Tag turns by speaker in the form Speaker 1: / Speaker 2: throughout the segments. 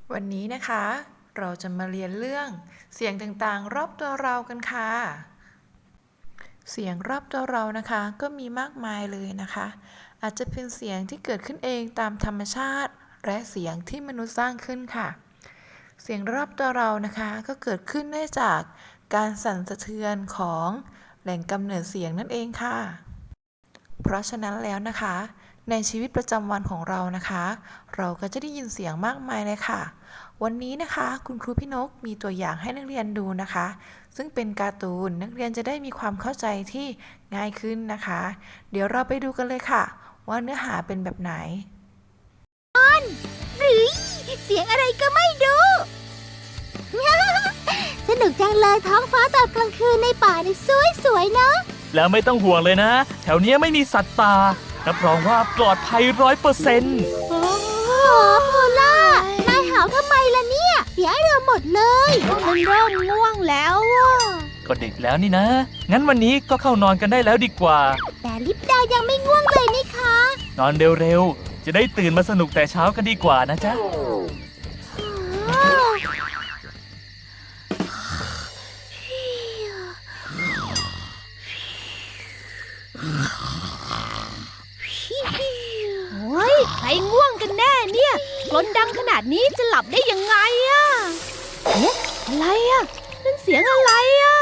Speaker 1: วันนี้นะคะเราจะมาเรียนเรื่องเสียงต่างๆรอบตัวเรากันค่ะเสียงรอบตัวเรานะคะก็มีมากมายเลยนะคะอาจจะเป็นเสียงที่เกิดขึ้นเองตามธรรมชาติและเสียงที่มนุษย์สร้างขึ้นค่ะเสียงรอบตัวเรานะคะก็เกิดขึ้นได้จากการสั่นสะเทือนของแหล่งกำเนิดเสียงนั่นเองค่ะเพราะฉะนั้นแล้วนะคะในชีวิตประจำวันของเรานะคะเราก็จะได้ยินเสียงมากมายเลยค่ะวันนี้นะคะคุณครูพี่นกมีตัวอย่างให้นักเรียนดูนะคะซึ่งเป็นการ์ตูนนักเรียนจะได้มีความเข้าใจที่ง่ายขึ้นนะคะเดี๋ยวเราไปดูกันเลยค่ะว่าเนื้อหาเป็นแบบไหน
Speaker 2: หรือเสียงอะไรก็ไม่รู้ สนุกจังเลยท้องฟ้าตอนกลางคืนในป่านี่สวยๆเนาะ
Speaker 3: แล้วไม่ต้องห่วงเลยนะแถวนี้ไม่มีสัตว์ป่ารับรองว่าปลอดภัย100%
Speaker 2: โอ้โพล่านายหาวทำไมล่ะเนี่ยเสียเราหมดเลยมันเริ่มง่วงแล้วอ่ะ
Speaker 3: ก็ดึกแล้วนี่นะงั้นวันนี้ก็เข้านอนกันได้แล้วดีกว่า
Speaker 2: แต่ลิปดายังไม่ง่วงเลยนี่คะ
Speaker 3: นอนเร็วๆจะได้ตื่นมาสนุกแต่เช้ากันดีกว่านะจ๊ะ
Speaker 2: โอ้ยใครง่วงกันแน่เนี่ยกลนดังขนาดนี้จะหลับได้ยังไงอะเอ๊ะอะไรอะนั่นเสียงอะไรอะ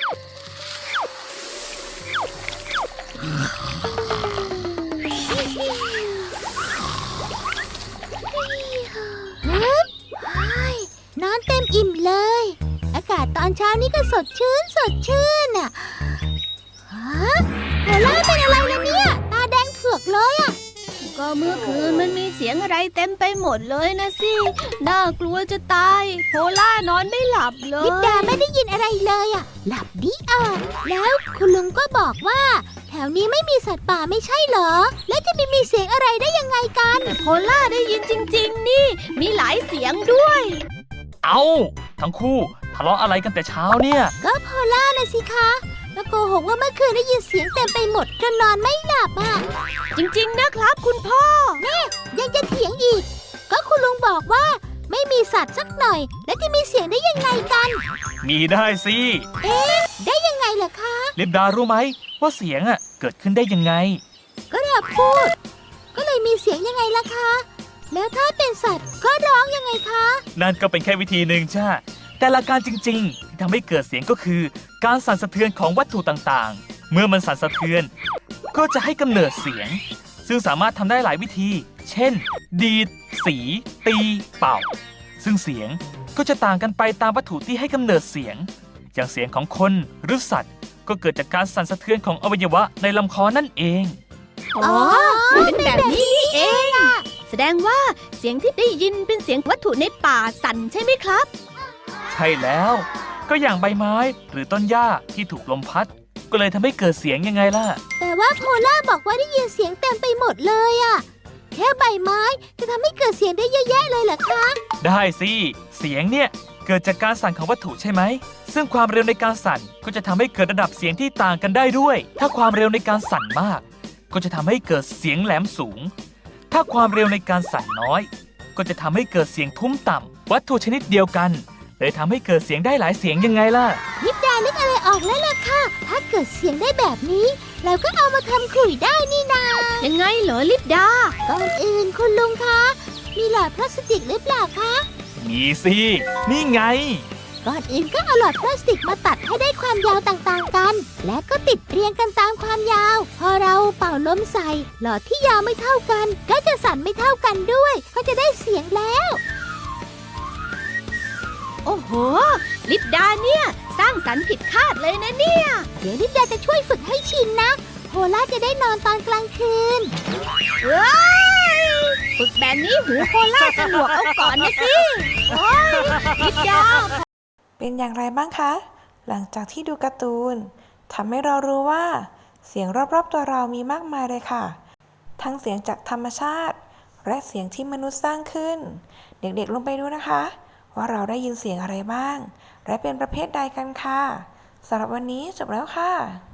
Speaker 2: นอนเต็มอิ่มเลยอากาศตอนเช้านี้ก็สดชื่นอ่ะฮะโพล่าเป็นอะไรนะเนี่ยตาแดงเผือกเลยอ่ะก็เมื่อคืนมันมีเสียงอะไรเต็มไปหมดเลยนะสิน่ากลัวจะตายโพล่านอนไม่หลับเลยลิปดาไม่ได้ยินอะไรเลยอ่ะหลับดีแล้วคุณลุงก็บอกว่าแถวนี้ไม่มีสัตว์ป่าไม่ใช่เหรอแล้วจะมีเสียงอะไรได้ยังไงกันโพล่าได้ยินจริงๆนี่มีหลายเสียงด้วย
Speaker 3: เอาทั้งคู่ทะเลาะอะไรกันแต่เช้าเนี่ย
Speaker 2: ก็โพล่านะสิคะแล้วโกหกว่าเมื่อคืนได้ยินเสียงเต็มไปหมดจนนอนไม่หลับอ่ะจริงๆนะครับคุณพ่อแม่ยังจะเถียงอีกก็คุณลุงบอกว่าไม่มีสัตว์สักหน่อยแล้วจะมีเสียงได้ยังไงกัน
Speaker 3: มีได้สิ
Speaker 2: ได้ยังไงล่ะคะ
Speaker 3: ลิปดารู้ไหมว่าเสียงเกิดขึ้นได้ยังไง
Speaker 2: ก็เราพูดก็เลยมีเสียงยังไงล่ะคะแล้วถ้าเป็นสัตว์ก็ร้องยังไงคะ
Speaker 3: นั่นก็เป็นแค่วิธีหนึ่งจ้าแต่หลักการจริงๆที่ทำให้เกิดเสียงก็คือการสั่นสะเทือนของวัตถุต่างๆเมื่อมันสั่นสะเทือนก็จะให้กำเนิดเสียงซึ่งสามารถทำได้หลายวิธีเช่นดีดสีตีเป่าซึ่งเสียงก็จะต่างกันไปตามวัตถุที่ให้กำเนิดเสียงอย่างเสียงของคนหรือสัตว์ก็เกิดจากการสั่นสะเทือนของอวัยวะในลำคอนั่นเอง
Speaker 2: อ๋อเป็นแบบนี้นี่เองแสดงว่าเสียงที่ได้ยินเป็นเสียงวัตถุในป่าสั่นใช่ไหมครับ
Speaker 3: ใช่แล้วก็อย่างใบไม้หรือต้นหญ้าที่ถูกลมพัดก็เลยทำให้เกิดเสียงยังไงล่ะ
Speaker 2: แต่ว่าโพล่าบอกว่าได้ยินเสียงเต็มไปหมดเลยอะแค่ใบไม้จะทำให้เกิดเสียงได้เยอะแยะเลยเหรอคะ
Speaker 3: ได้สิเสียงเนี่ยเกิดจากการสั่นของวัตถุใช่ไหมซึ่งความเร็วในการสั่นก็จะทำให้เกิดระดับเสียงที่ต่างกันได้ด้วยถ้าความเร็วในการสั่นมากก็จะทำให้เกิดเสียงแหลมสูงถ้าความเร็วในการสั่นน้อยก็จะทำให้เกิดเสียงทุ้มต่ำวัตถุชนิดเดียวกันเลยทำให้เกิดเสียงได้หลายเสียงยังไงล่ะ
Speaker 2: ลิปดานึกอะไรออกแล้วล่ะค่ะถ้าเกิดเสียงได้แบบนี้เราก็เอามาทำขลุ่ยได้นี่นายังไงเหรอลิปดาก่อนอื่นคุณลุงคะมีหลอดพลาสติกหรือเปล่าคะ
Speaker 3: มีสินี่ไง
Speaker 2: ก่อนอื่นก็เอาหลอดพลาสติกมาตัดให้ได้ความยาวต่างๆกันและก็ติดเรียงกันตามความยาวพอเราเป่าลมใส่หลอดที่ยาวไม่เท่ากันก็จะสั่นไม่เท่ากันด้วยก็จะได้เสียงแล้วโอ้โหลิปดาเนี่ยสร้างสรรค์ผิดคาดเลยนะเนี่ยเดี๋ยวลิปดาจะช่วยฝึกให้ชินนะโพล่าจะได้นอนตอนกลางคืนฝึกแบบนี้หูโพล่าจะหนวกเอาก่อนนะสิโอ้ยลิปดา
Speaker 1: เป็นอย่างไรบ้างคะหลังจากที่ดูการ์ตูนทำให้เรารู้ว่าเสียงรอบๆตัวเรามีมากมายเลยค่ะทั้งเสียงจากธรรมชาติและเสียงที่มนุษย์สร้างขึ้นเด็กๆลงไปดูนะคะว่าเราได้ยินเสียงอะไรบ้างและเป็นประเภทใดกันค่ะสำหรับวันนี้จบแล้วค่ะ